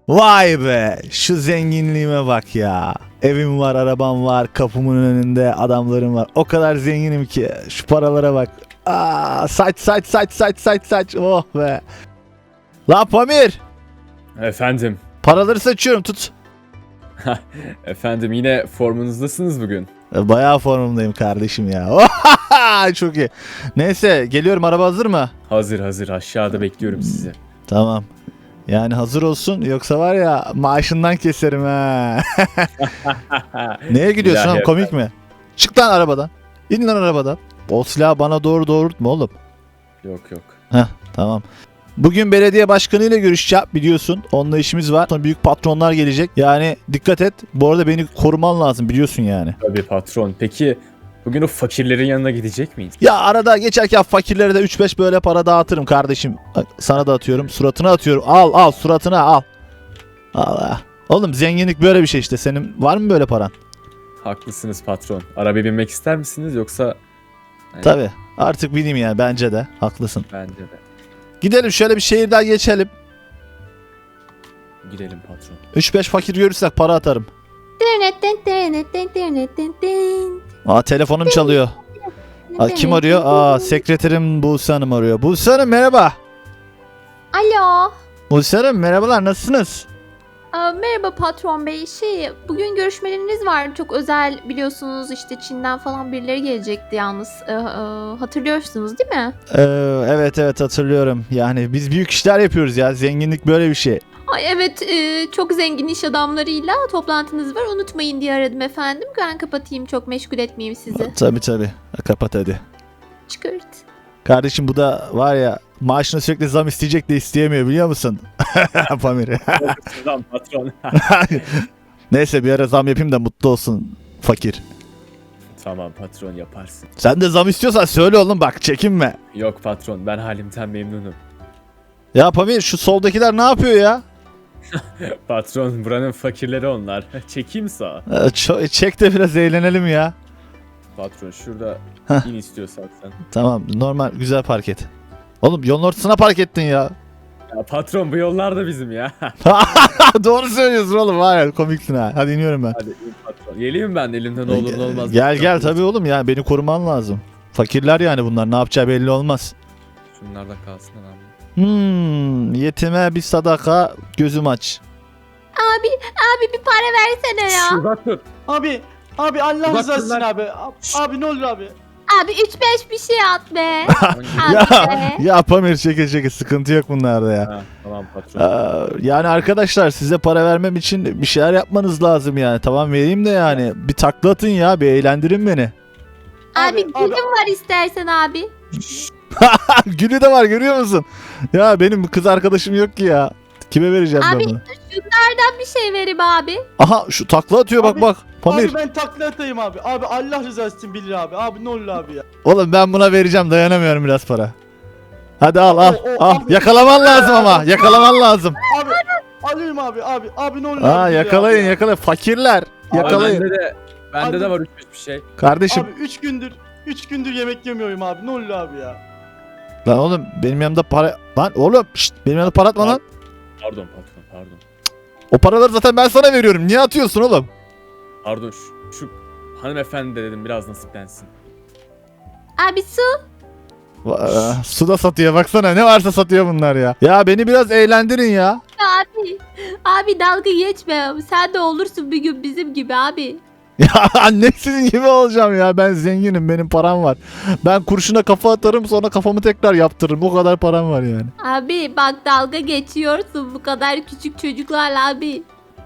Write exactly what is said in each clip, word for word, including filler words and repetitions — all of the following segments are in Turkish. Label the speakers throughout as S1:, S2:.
S1: Vay be, şu zenginliğime bak ya. Evim var, arabam var, kapımın önünde adamlarım var. O kadar zenginim ki şu paralara bak. Aa, saç saç saç saç saç saç. Oh be. La Pamir,
S2: Efendim.
S1: paraları saçıyorum, tut.
S2: Efendim yine formunuzdasınız bugün.
S1: Bayağı formumdayım kardeşim ya. Çok iyi. Neyse, geliyorum, araba hazır mı?
S2: Hazır hazır aşağıda bekliyorum sizi.
S1: Tamam. Yani hazır olsun, yoksa var ya maaşından keserim ha. Neye gidiyorsun
S2: İlahi
S1: oğlum, komik mi? Çık lan arabadan. İn lan arabadan. O silahı bana doğru doğrultma oğlum.
S2: Yok yok.
S1: Heh, tamam. Bugün belediye başkanıyla görüşeceğim, biliyorsun. Onunla işimiz var. Sonra büyük patronlar gelecek. Yani dikkat et. Bu arada beni koruman lazım, biliyorsun yani.
S2: Tabii patron. Peki bugün o fakirlerin yanına gidecek miyiz?
S1: Ya arada geçerken fakirlere de üç beş böyle para dağıtırım kardeşim. Bak, sana da atıyorum. Suratına atıyorum. Al al suratına al. Allah. Oğlum zenginlik böyle bir şey işte. Senin var mı böyle paran?
S2: Haklısınız patron. Arabaya binmek ister misiniz yoksa? Yani,
S1: Tabii. Artık bileyim yani, bence de. Haklısın.
S2: Bence de.
S1: Gidelim şöyle bir şehirden geçelim.
S2: Gidelim patron.
S1: üç beş fakir görürsek para atarım. Aa, telefonum çalıyor. Aa, kim arıyor? Aa, sekreterim Buse Hanım arıyor. Buse Hanım merhaba.
S3: Alo.
S1: Buse Hanım merhabalar, nasılsınız?
S3: Aa, merhaba patron bey. Şey, bugün görüşmeleriniz var. Çok özel, biliyorsunuz işte Çin'den falan birileri gelecekti yalnız. Ee, e, hatırlıyorsunuz değil mi?
S1: Ee, evet evet hatırlıyorum. Yani biz büyük işler yapıyoruz ya. Zenginlik böyle bir şey.
S3: Ay evet, e, çok zengin iş adamlarıyla toplantınız var. Unutmayın diye aradım efendim. Ben kapatayım, çok meşgul etmeyeyim sizi.
S1: Tabii tabii. Kapat hadi.
S3: Çıkart.
S1: Kardeşim bu da var ya, maaşına sürekli zam isteyecek de isteyemiyor, biliyor musun? Pamir.
S2: Tamam patron.
S1: Neyse, bir ara zam yapayım da mutlu olsun fakir.
S2: Tamam patron yaparsın.
S1: Sen de zam istiyorsan söyle oğlum, bak çekinme.
S2: Yok patron ben halimden memnunum.
S1: Ya Pamir, şu soldakiler ne yapıyor ya?
S2: Patron buranın fakirleri onlar. Çekeyim sağa.
S1: Ee, ço- çek de biraz eğlenelim ya.
S2: Patron şurada
S1: Heh.
S2: in istiyorsan sen.
S1: Tamam, normal güzel park et. Oğlum yolun ortasına park ettin ya.
S2: Ya patron bu yollar da bizim ya.
S1: Doğru söylüyorsun oğlum, var ya, komiksin ha. Hadi iniyorum ben.
S2: Hadi in patron. Geleyim ben elimden ne olur ne olmaz.
S1: Gel gel tabii oğlum, yani beni koruman lazım. Fakirler yani bunlar, ne yapacağı belli olmaz.
S2: Şunlar da kalsın abi.
S1: Hmm, yetime bir sadaka, gözüm aç.
S3: Abi, abi bir para versene ya.
S2: Uzak dur.
S4: Abi, abi Allah
S2: Bak
S4: rızası için
S2: bunlar-
S4: abi. Abi, abi ne olur abi.
S3: Abi üç beş bir şey at be.
S1: Ya,
S3: Abi be.
S1: ya Pamir, çeke çeke, sıkıntı yok bunlarda ya.
S2: Ha, tamam patron.
S1: Aa, yani arkadaşlar, size para vermem için bir şeyler yapmanız lazım yani. Tamam, vereyim de yani bir takla atın ya, bir eğlendirin beni.
S3: Abi,
S4: Abi, abi-
S3: gülüm var istersen abi.
S1: Gülü de var, görüyor musun? Ya benim kız arkadaşım yok ki ya. Kime vereceğim
S3: Abi,
S1: ben bunu?
S3: Şunlardan bir şey vereyim abi.
S1: Aha, şu takla atıyor, bak
S4: Abi-
S1: bak. Pamir.
S4: Abi ben takla atayım abi. Abi Allah rızası için bilir abi. Abi ne olur abi ya.
S1: Oğlum ben buna vereceğim, dayanamıyorum, biraz para. Hadi al al
S4: O- o-
S1: al.
S4: abi-
S1: Yakalaman lazım ama. Yakalaman lazım.
S4: Abi alayım abi. Abi abi ne olur
S1: Aa,
S4: abi. bilir
S1: yakalayın
S4: abi ya.
S1: yakalayın. Fakirler.
S2: Abi
S1: Yakalayın.
S2: Bende de, bende
S4: Abi-
S2: de var üç beş bir şey.
S1: Kardeşim.
S4: Abi üç gündür üç gündür yemek yemiyorum abi. Ne olur abi ya.
S1: Lan oğlum, benim yanımda para... Lan oğlum şşt, benim yanımda para atma lan.
S2: Pardon patron pardon.
S1: O paraları zaten ben sana veriyorum. Niye atıyorsun oğlum?
S2: Pardon şu, şu hanımefendi de dedim biraz nasiplensin.
S3: Abi su.
S1: Va- Su da satıyor, baksana ne varsa satıyor bunlar ya. Ya beni biraz eğlendirin ya.
S3: Abi. Abi dalga geçme. Sen de olursun bir gün bizim gibi abi.
S1: Ya annem sizin gibi olacağım ya. Ben zenginim, benim param var. Ben kurşuna kafa atarım, sonra kafamı tekrar yaptırırım. O kadar param var yani.
S3: Abi bak, dalga geçiyorsun bu kadar küçük çocuklarla abi.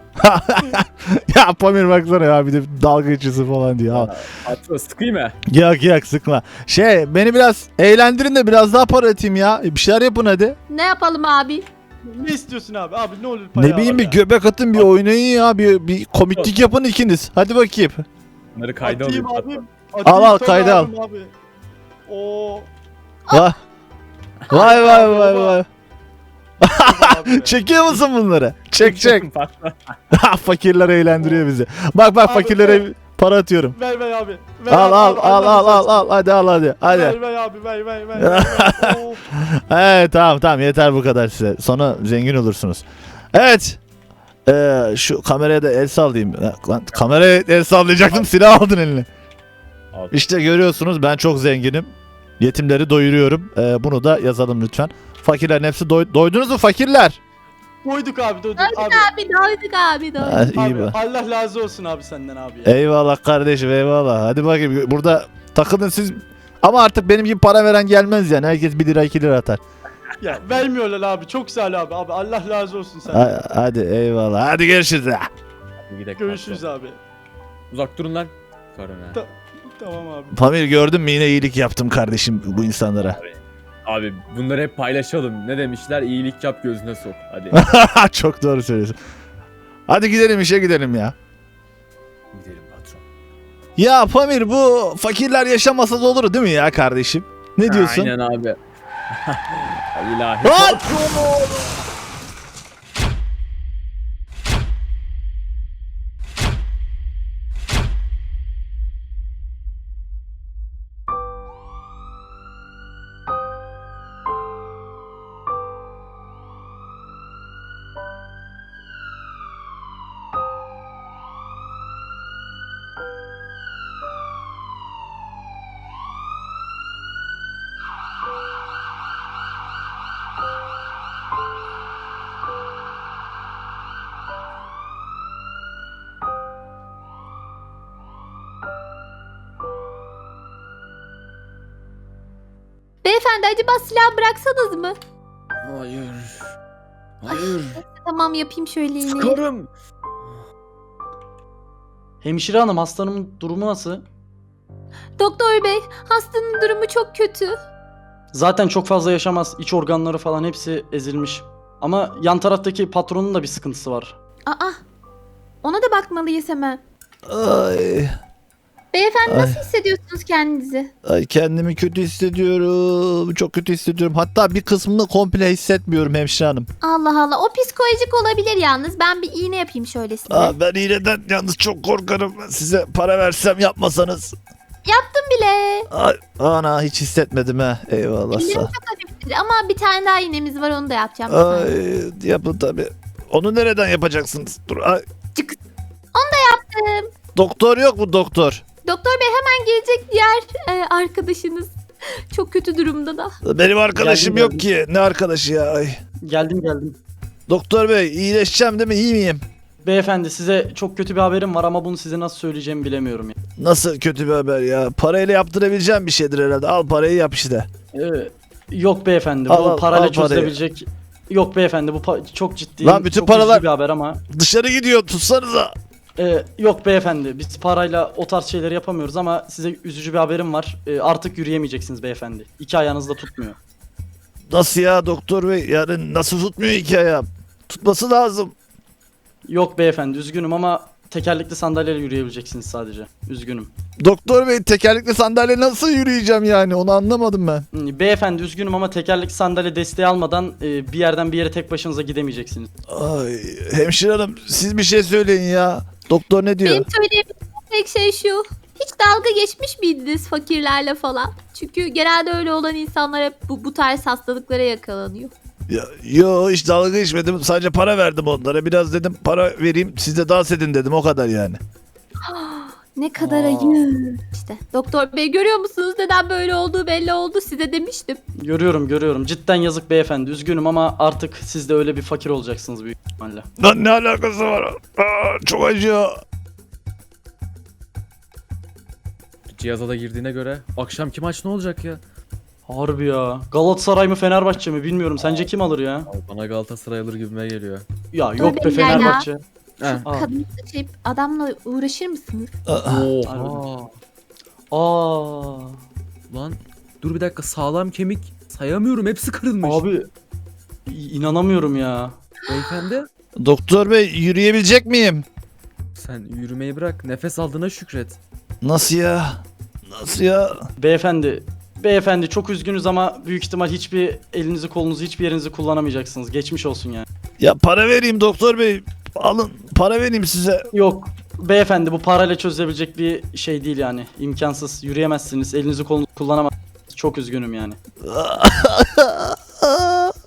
S1: Ya Pamir baksana ya, bir de dalga geçiyorsun falan diyor. Al.
S2: Patron sıkayım mı?
S1: Yak yak, sıkma. Şey, beni biraz eğlendirin de biraz daha para atayım ya. Bir şeyler yapın hadi.
S3: Ne yapalım abi?
S4: Ne istiyorsun abi? Abi ne olur para
S1: Ne bileyim,
S4: abi
S1: bir
S4: ya.
S1: göbek atın, bir oynayın ya. Bir, bir komiklik yapın ikiniz. Hadi bakayım.
S2: Bunları kayda
S4: Atayım
S2: alayım
S4: abi.
S2: patron.
S4: Atayım,
S1: Al, al,
S4: sonra
S1: kayda al.
S4: alayım Abi. Oo.
S1: Vay vay vay vay
S4: baba.
S1: vay.
S4: abi ya.
S1: Çekiyor musun bunları? Çek çek.
S2: Patron.
S1: Fakirler eğlendiriyor bizi. Bak bak,
S4: Abi,
S1: fakirlere para atıyorum.
S4: Ver ver abi. Ver
S1: Al
S4: abi,
S1: al
S4: abi,
S1: al
S4: Allah
S1: al al
S4: rızası
S1: al, hadi al hadi
S4: için.
S1: hadi.
S4: Ver ver abi ver ver ver. ver, ver. Oo.
S1: Evet, tamam tamam, yeter bu kadar size. Sonra zengin olursunuz. Evet. Ee, şu kameraya da el sallayayım. Lan kameraya el sallayacaktım, silah aldın eline.
S2: Al.
S1: İşte görüyorsunuz, ben çok zenginim. Yetimleri doyuruyorum. Ee, bunu da yazalım lütfen. Fakirlerin hepsi doy- doydunuz mu fakirler?
S4: Doyduk abi doyduk
S3: Doyduk
S4: abi.
S3: abi doyduk abi doyduk.
S1: Ha, iyi
S4: Abi,
S1: be.
S4: Allah razı olsun abi senden abi ya.
S1: Eyvallah kardeşim, eyvallah. Hadi bakayım, burada takılın siz. Ama artık benim gibi para veren gelmez yani. Herkes bir lira iki lira atar.
S4: Ya vermiyorlar abi çok sağ ol abi. Abi Allah razı olsun senden.
S1: Ha- hadi eyvallah. Hadi görüşürüz. Ha.
S2: Bir dakika,
S4: Görüşürüz
S2: patron.
S4: abi.
S2: Uzak durun lan. Karın ha.
S4: Ta- Tamam abi.
S1: Pamir, gördün mü, yine iyilik yaptım kardeşim bu insanlara.
S2: Abi bunları hep paylaşalım. Ne demişler? İyilik yap gözüne sok. Hadi
S1: Çok doğru söylüyorsun. Hadi gidelim, işe gidelim ya.
S2: gidelim patron.
S1: Ya Pamir, bu fakirler yaşamasa da olur değil mi ya kardeşim? Ne diyorsun?
S2: Aynen abi. İlahi.
S1: Lan!
S3: Beyefendi acaba silah bıraksanız mı?
S2: Hayır. Hayır.
S3: Tamam yapayım şöyle iğneyi.
S2: Sıkarım.
S4: Hemşire hanım hastanın durumu nasıl?
S3: Doktor bey hastanın durumu çok kötü.
S4: Zaten çok fazla yaşamaz. İç organları falan hepsi ezilmiş. Ama yan taraftaki patronun da bir sıkıntısı var.
S3: Aa ona da bakmalıyız hemen.
S1: Ay,
S3: Beyefendi
S1: Ay.
S3: nasıl hissediyorsunuz kendinizi?
S1: ay, kendimi kötü hissediyorum. Çok kötü hissediyorum. Hatta bir kısmını komple hissetmiyorum hemşire hanım.
S3: Allah Allah o psikolojik olabilir yalnız. Ben bir iğne yapayım şöyle size.
S1: Aa, ben iğneden yalnız çok korkarım. Size para versem yapmasanız.
S3: Yaptım bile.
S1: Ay, ana hiç hissetmedim ha. Eyvallah
S3: Ellerim
S1: sağ.
S3: çok hafiftir ama bir tane daha iğnemiz var onu da yapacağım. bir saniye.
S1: Ay, yapın tabi. Onu nereden yapacaksınız? Dur. Ay.
S3: Çık.
S1: Yaptım. Doktor yok mu doktor?
S3: Doktor bey hemen gelecek diğer e, arkadaşınız. Çok kötü durumda da.
S1: Benim arkadaşım
S4: Geldim,
S1: yok ki. Ne arkadaşı ya? Ay.
S4: Geldim geldim.
S1: Doktor bey, iyileşeceğim değil mi? İyi miyim?
S4: Beyefendi size çok kötü bir haberim var ama bunu size nasıl söyleyeceğimi bilemiyorum ya.
S1: Nasıl kötü bir haber ya? Parayla yaptırabileceğim bir şeydir herhalde. Al parayı yap işte.
S4: Ee, yok beyefendi bu
S1: Al, al,
S4: parayla
S1: al parayı.
S4: çözülebilecek. Yok beyefendi bu pa- çok ciddi.
S1: Lan bütün
S4: çok
S1: paralar-
S4: üzücü bir haber ama.
S1: Dışarı gidiyor, tutsanıza.
S4: Ee, yok beyefendi biz parayla o tarz şeyleri yapamıyoruz ama size üzücü bir haberim var. Ee, artık yürüyemeyeceksiniz beyefendi. İki ayağınız da tutmuyor.
S1: Nasıl ya doktor bey? Yani nasıl tutmuyor iki ayağım? Tutması lazım.
S4: Yok beyefendi üzgünüm ama tekerlekli sandalyeyle yürüyebileceksiniz sadece. Üzgünüm.
S1: Doktor bey, tekerlekli sandalye nasıl yürüyeceğim yani? Onu anlamadım ben.
S4: Hmm, Beyefendi üzgünüm ama tekerlekli sandalye desteği almadan e, bir yerden bir yere tek başınıza gidemeyeceksiniz.
S1: Ay, hemşire hanım siz bir şey söyleyin ya. Doktor ne diyor?
S3: Benim söyleyebileceğim tek şey şu. Hiç dalga geçmiş miydiniz fakirlerle falan? Çünkü genelde öyle olan insanlar hep bu, bu tarz hastalıklara yakalanıyor.
S1: Ya, yo, hiç dalga geçmedim. Sadece para verdim onlara. Biraz dedim para vereyim, siz de dans edin dedim. O kadar yani.
S3: Ne kadar
S4: Aa.
S3: ayıp. İşte doktor bey görüyor musunuz neden böyle olduğu belli oldu size demiştim.
S4: Görüyorum görüyorum. Cidden yazık beyefendi. Üzgünüm ama artık siz de öyle bir fakir olacaksınız büyük ihtimalle.
S1: Lan ne alakası var? Aa, çok acıyor.
S2: Cihaza da girdiğine göre akşamki maç ne olacak ya?
S4: Harbi ya. Galatasaray mı Fenerbahçe mi bilmiyorum. Sence kim alır ya?
S2: Abi bana Galatasaray alır gibime geliyor.
S4: Ya yok be
S3: beyler ya.
S4: Fenerbahçe.
S2: Heh.
S4: Aa.
S3: Kadın şey adamla uğraşır mısınız?
S1: Aa,
S2: Oha.
S4: Aa.
S2: Lan dur bir dakika, sağlam kemik sayamıyorum, hepsi kırılmış.
S4: Abi i- inanamıyorum ya.
S2: Beyefendi
S1: doktor bey, yürüyebilecek miyim?
S2: sen yürümeyi bırak, nefes aldığına şükret.
S1: Nasıl ya? Nasıl ya?
S4: Beyefendi Beyefendi çok üzgünüz ama büyük ihtimal hiçbir elinizi kolunuzu hiçbir yerinizi kullanamayacaksınız. Geçmiş olsun yani.
S1: Ya para vereyim doktor bey. Alın, para vereyim size.
S4: Yok beyefendi bu parayla çözülebilecek bir şey değil yani. İmkansız. Yürüyemezsiniz. Elinizi kolunuzu kullanamazsınız. Çok üzgünüm yani.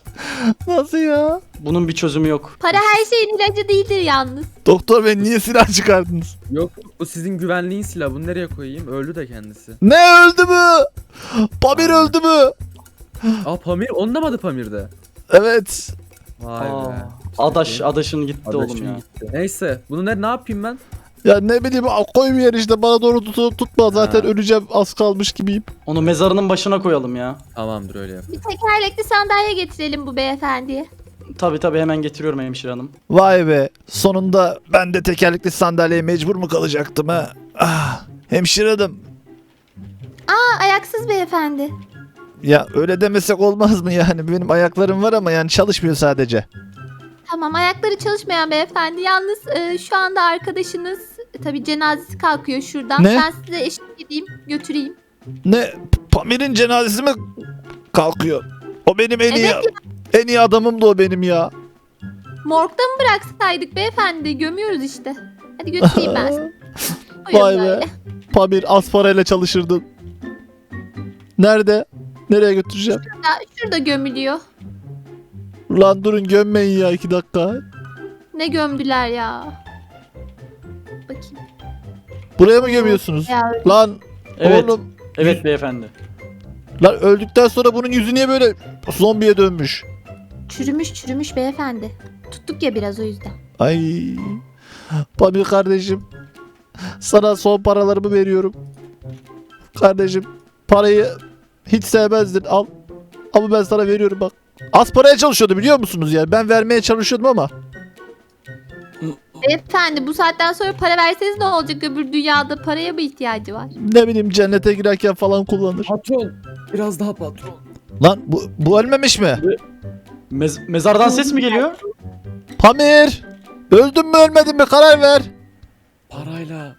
S1: Nasıl ya?
S4: Bunun bir çözümü yok.
S3: Para her şeyin ilacı değildir yalnız.
S1: Doktor bey niye silah çıkardınız?
S2: Yok bu sizin güvenliğin silahı. Bunu nereye koyayım? Öldü de kendisi.
S1: Ne öldü mü? Pamir öldü mü?
S2: Aa Pamir. Onun da mı adı Pamir'de?
S1: Evet.
S2: Vay
S4: Aa,
S2: be.
S4: adaş, adaşın gitti
S2: Adaşım
S4: oğlum ya.
S2: gitti. Neyse. Bunu ne, ne yapayım ben?
S1: Ya ne bileyim koy bir yer işte bana doğru tut, tutma zaten
S2: Ha.
S1: öleceğim az kalmış gibiyim.
S4: Onu mezarının başına koyalım ya.
S2: Tamamdır öyle yap.
S3: Bir tekerlekli sandalye getirelim bu beyefendiye.
S4: Tabi tabi hemen getiriyorum hemşire hanım.
S1: Vay be sonunda ben de tekerlekli sandalyeye mecbur mu kalacaktım ha? Ah, hemşire hanım.
S3: Aa, ayaksız beyefendi.
S1: Ya öyle demesek olmaz mı yani benim ayaklarım var ama yani çalışmıyor sadece.
S3: Tamam, ayakları çalışmayan beyefendi. Yalnız e, şu anda arkadaşınız e, tabii cenazesi kalkıyor şuradan.
S1: Ne?
S3: Ben size eşlik edeyim, götüreyim.
S1: Ne Pamir'in cenazesi mi kalkıyor? O benim en iyi
S3: Evet
S1: en iyi adamımdı o benim ya.
S3: Morgda mı bıraksaydık beyefendi? Gömüyoruz işte. Hadi götüreyim ben sizi. Buyurun
S1: Vay be.
S3: böyle.
S1: Pamir az parayla çalışırdın. Nerede? Nereye götüreceğim?
S3: Şurada, şurada gömülüyor.
S1: Ulan durun gömmeyin ya iki dakika.
S3: Ne gömdüler ya. Bakayım.
S1: Buraya mı gömüyorsunuz?
S3: Ya,
S1: Lan
S4: Evet.
S1: oğlum.
S4: Evet beyefendi.
S1: Lan öldükten sonra bunun yüzü niye böyle zombiye dönmüş?
S3: çürümüş çürümüş beyefendi. Tuttuk ya biraz o yüzden.
S1: Ay. Pamir kardeşim. Sana son paralarımı veriyorum. Kardeşim parayı hiç sevmezdin al. Ama ben sana veriyorum bak. Az paraya çalışıyordu biliyor musunuz yani? Ben vermeye çalışıyordum ama.
S3: Beyefendi bu saatten sonra para verseniz ne olacak, öbür dünyada paraya mı ihtiyacı var?
S1: Ne bileyim cennete girerken falan kullanır.
S2: Patron. Biraz daha patron.
S1: Lan bu, bu ölmemiş mi?
S4: Mez- mezardan ses mi geliyor?
S1: Pamir! Öldün mü ölmedin mi karar ver.
S2: Parayla.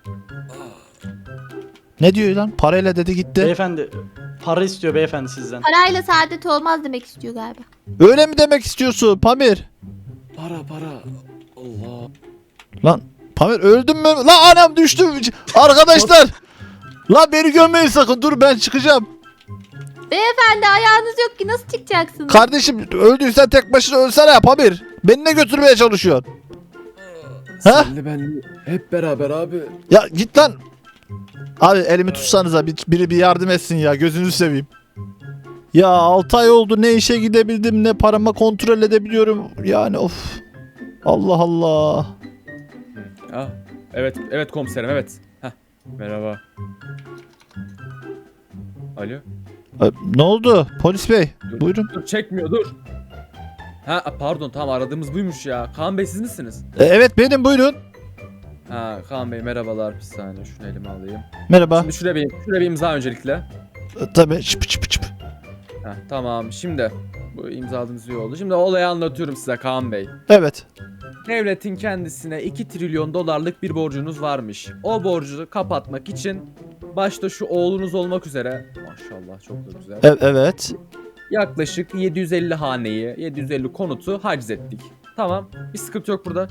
S1: Ne diyor lan? Parayla dedi gitti.
S4: Beyefendi para istiyor beyefendi sizden.
S3: Parayla saadet olmaz demek istiyor galiba.
S1: Öyle mi demek istiyorsun Pamir?
S2: Para para. Allah.
S1: Lan Pamir öldün mü? Lan anam düştü. Arkadaşlar. Lan beni gömmeyin sakın. Dur ben çıkacağım.
S3: Beyefendi ayağınız yok ki nasıl çıkacaksınız?
S1: Kardeşim öldüysen tek başına ölsene ya Pamir. Beni ne götürmeye çalışıyorsun? Ha?
S2: Senli benli hep beraber abi.
S1: Ya git lan. Abi elimi tutsanıza bir, biri bir yardım etsin ya gözünüzü seveyim. Ya altı ay oldu ne işe gidebildim ne parama kontrol edebiliyorum. Yani of. Allah Allah.
S2: Ah. Evet evet komiserim evet. Heh. Merhaba. Alo.
S1: E, Ne oldu polis bey?
S2: Dur.
S1: Buyurun.
S2: Dur çekmiyor dur. Ha pardon tamam aradığımız buymuş ya. Kaan Bey siz misiniz?
S1: E, evet benim buyurun.
S2: Ha Kaan Bey merhabalar bir saniye şunu elime alayım.
S1: Merhaba.
S2: Şimdi şuraya bir, şuraya bir imza öncelikle.
S1: E, tabii çıp çıp çıp.
S2: Ha tamam şimdi bu imzaladığınız iyi oldu. Şimdi olayı anlatıyorum size Kaan Bey.
S1: Evet.
S2: Devletin kendisine iki trilyon dolarlık bir borcunuz varmış. O borcu kapatmak için başta şu oğlunuz olmak üzere maşallah çok da güzel.
S1: E, evet.
S2: Yaklaşık yedi yüz elli haneyi, yedi yüz elli konutu haciz ettik. Tamam. Bir sıkıntı yok burada.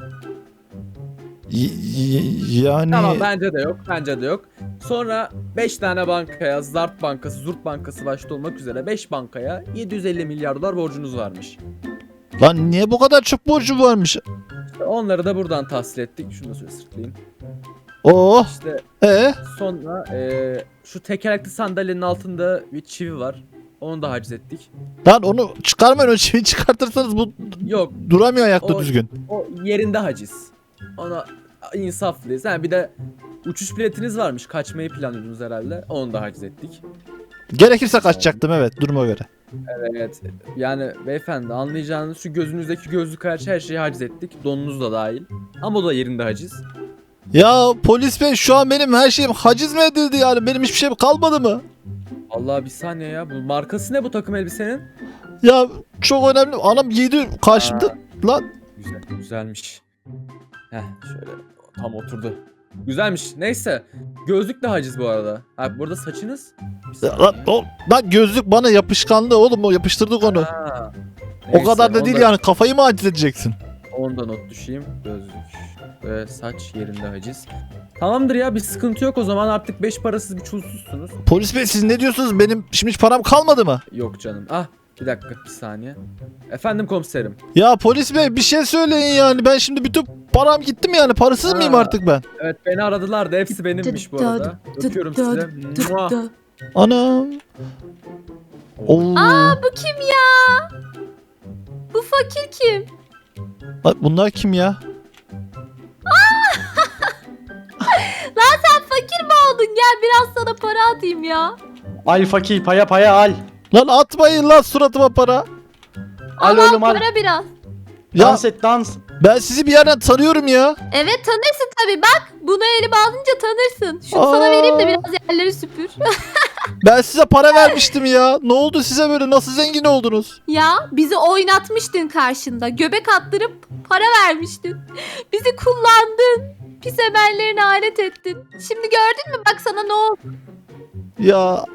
S1: Y- y- yani
S2: Tamam bence de yok. Bence de yok. Sonra beş tane bankaya, Zart Bankası, Zurt Bankası başta olmak üzere beş bankaya yedi yüz elli milyar dolar borcunuz varmış.
S1: lan niye bu kadar çok borcu varmış?
S2: İşte onları da buradan tahsil ettik. Şunu da şöyle sırtlayayım.
S1: Oh.
S2: İşte
S1: E
S2: sonra eee, şu tekerlekli sandalyenin altında bir çivi var. Onu da haciz ettik.
S1: lan onu çıkarmayın o çiviyi çıkartırsanız bu
S2: Yok
S1: duramıyor ayakta
S2: O-
S1: düzgün.
S2: o yerinde haciz. Ona insaflıyız. Yani bir de uçuş biletiniz varmış. Kaçmayı planlıyordunuz herhalde. Onu da haciz ettik.
S1: Gerekirse kaçacaktım evet duruma göre.
S2: Evet. Yani beyefendi anlayacağınız şu gözünüzdeki gözlük hariç her şeyi haciz ettik. Donunuz da dahil. Ama o da yerinde haciz.
S1: Ya polis bey şu an benim her şeyim haciz mi edildi yani benim hiçbir şeyim kalmadı mı?
S2: Allah bir saniye ya. Bu markası ne bu takım elbisenin?
S1: Ya çok önemli anam giydi karşımda
S2: Aa.
S1: lan.
S2: Güzel. Güzelmiş. Heh şöyle tam oturdu. Güzelmiş. Neyse. Gözlük de haciz bu arada. Ha burada saçınız. Bir
S1: Lan,
S2: saniye.
S1: o, lan gözlük bana yapışkanlı oğlum o yapıştırdık onu.
S2: Ha.
S1: O
S2: Neyse,
S1: kadar da değil
S2: onda-
S1: yani kafayı mı haciz edeceksin?
S2: Onu da not düşeyim. Gözlük ve saç yerinde haciz. Tamamdır ya bir sıkıntı yok o zaman artık beş parasız bir çulsuzsunuz.
S1: Polis bey siz ne diyorsunuz benim şimdi hiç param kalmadı mı?
S2: Yok canım. Ah Bir dakika bir saniye. Efendim komiserim.
S1: Ya polis bey bir şey söyleyin yani. Ben şimdi bütün param gitti mi yani? Parasız
S2: Ha.
S1: mıyım artık ben?
S2: Evet beni aradılar da hepsi benimmiş bu arada. Öpüyorum size. Mua.
S1: Anam. Oo.
S3: Aa bu kim ya? Bu fakir kim?
S1: Lan bunlar kim ya?
S3: Lan sen fakir mi oldun? Gel biraz sana para atayım ya.
S4: Al fakir paya paya al.
S1: Lan atmayın lan suratıma para.
S4: Al
S3: Al
S4: oğlum al.
S3: para biraz.
S1: Ya
S4: Dans et dans.
S1: ben sizi bir yerden tanıyorum ya.
S3: Evet tanırsın tabii bak. Bunu elime alınca tanırsın. Şunu
S1: Aa.
S3: sana vereyim de biraz yerleri süpür.
S1: Ben size para vermiştim ya. Ne oldu size böyle? Nasıl zengin oldunuz?
S3: Ya bizi oynatmıştın karşında. Göbek attırıp para vermiştin. Bizi kullandın. Pis emellerine alet ettin. Şimdi gördün mü bak sana ne oldu?
S1: Ya.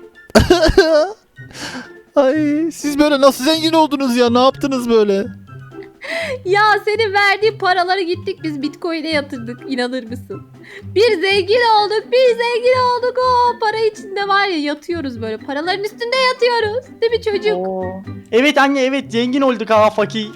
S1: Ay siz böyle nasıl zengin oldunuz ya? Ne yaptınız böyle?
S3: Ya senin verdiğin paraları gittik biz Bitcoin'e yatırdık. İnanır mısın? Bir zengin olduk, bir zengin olduk. O para içinde var ya yatıyoruz böyle. Paraların üstünde yatıyoruz. Değil mi çocuk?
S4: Oo. Evet anne evet zengin olduk ha fakir.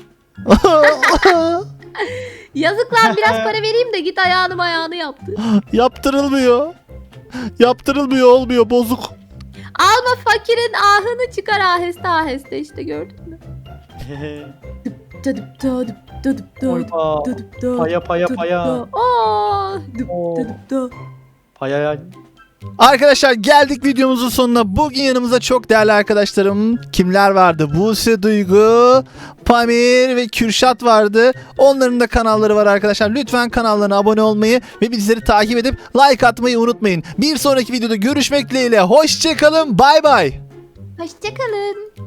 S3: Yazık lan biraz para vereyim de git ayağını ayağını yaptır.
S1: Yaptırılmıyor. Yaptırılmıyor olmuyor bozuk.
S3: Alma fakirin ahını çıkar aheste aheste işte gördün mü? Dıdıp dıdıp dıdıp dıdıp
S4: Oyba.
S3: dıdıp dıdıp
S4: Paya paya
S3: dıdıp
S4: paya.
S3: dıdıp. Aa, dıp
S4: Oo.
S3: dıdıp dıdıp.
S4: Paya al.
S1: Arkadaşlar geldik videomuzun sonuna. Bugün yanımızda çok değerli arkadaşlarım kimler vardı? Buse Duygu, Pamir ve Kürşat vardı. Onların da kanalları var arkadaşlar. Lütfen kanallarına abone olmayı ve bizleri takip edip like atmayı unutmayın. Bir sonraki videoda görüşmek dileğiyle. Hoşçakalın. Bay bay.
S3: Hoşçakalın.